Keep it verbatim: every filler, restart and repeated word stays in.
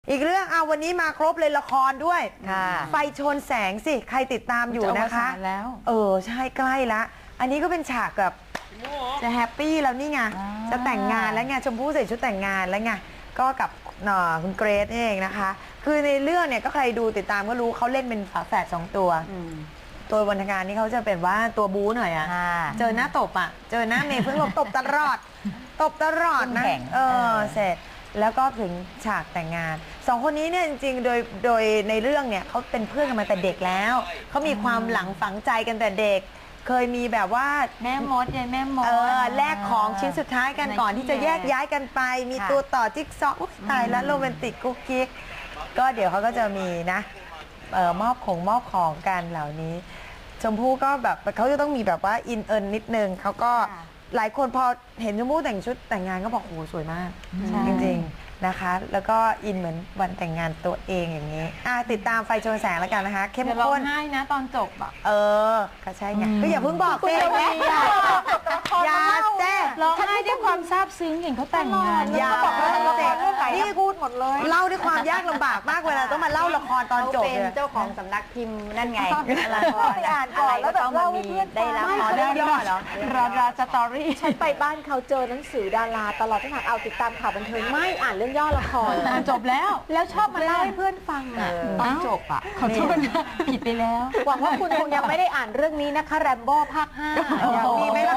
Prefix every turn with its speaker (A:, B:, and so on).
A: อีกเรื่องเอาวันนี้มาครบเลยละครด้วย ไฟชนแสงสิใครติดตามอยู่นะคะแล้วเออใช่ใกล้ละอันนี้ก็เป็นฉากแบบจะแฮปปี้แล้วนี่ไงจะแต่งงานแล้วไงชมพู่ใส่ชุดแต่งงานแล้วไงก็กับคุณเกรซเองนะคะคือในเรื่องเนี่ยก็ใครดูติดตามก็รู้เขาเล่นเป็นฝาแฝดสองตัวตัววรรณการนี่เขาจะเป็นว่าตัวบู๊หน่อยอะเจอหน้าตบอะเจอหน้าเมย์เพิ่งตบตลอดตบตลอดนะเออเสร็จแล้วก็ถึงฉากแต่งงานสองคนนี้เนี่ยจริงๆโดยโดยในเรื่องเนี่ยเขาเป็นเพื่อนกันมาแต่เด็กแล้วเขามีความหลังฝังใจกันแต่เด็กเคยมีแบบว่า
B: แม่มดยายแม่มด
A: เออแลกของชิ้นสุดท้ายกันก่อนที่จะแยกย้ายกันไปมีตัวต่อจิ๊กซอว์ตายแล้วโรแมนติกกุ๊กกิ๊กก็เดี๋ยวเขาก็จะมีนะเออมอบของมอบของกันเหล่านี้ชมพู่ก็แบบเขาจะต้องมีแบบว่าอินเอินนิดนึงเขาก็หลายคนพอเห็นชมพู่แต่งชุดแต่งงานก็บอกโอ้โหสวยมากจริงๆนะคะแล้วก็อินเหมือนวันแต่งงานตัวเองอย่างนี้อ่ะติดตามไฟชนแสงแล้วกันนะคะเข้มข้น
B: ร้องไห้นะตอนจบอ่ะ
A: เออก็ใช่ไงก็อย่าเพิ่งบอกเต้อย่าเต้
B: ร้องไห้ด้วยความซาบซึ้งเห็นเขาแต่งงาน
A: อย่าบอกว่าเต้นี่พูดหมดเลยเล่าด้วยความยากลำบากมากเวลาต้องมาเล่าละครตอนจบ
C: เป็นเจ้าของสำนักพิมพ์นั่นไง
A: ละครอ่านก่อนแล้วแบบเล่าให้เพื่อนได้รับเรื่องย่อเหรอ
B: ราราสตอรี่
C: ฉันไปบ้านเขาเจอหนังสือดาราตลอดทั้งหากเอาติดตามข่าวบันเทิงไม่อ่านเรื่องย่อละคร
B: จบแล้ว
C: แล้วชอบมาเล่าให้เพื่อนฟังอ่ะ
B: ตอนจบอ่ะขอโทษนะผิดไปแล้ว
C: หวังว่าคุณคงยังไม่ได้อ่านเรื่องนี้นะคะแรมโบ้ภาคห้า
A: มีไหม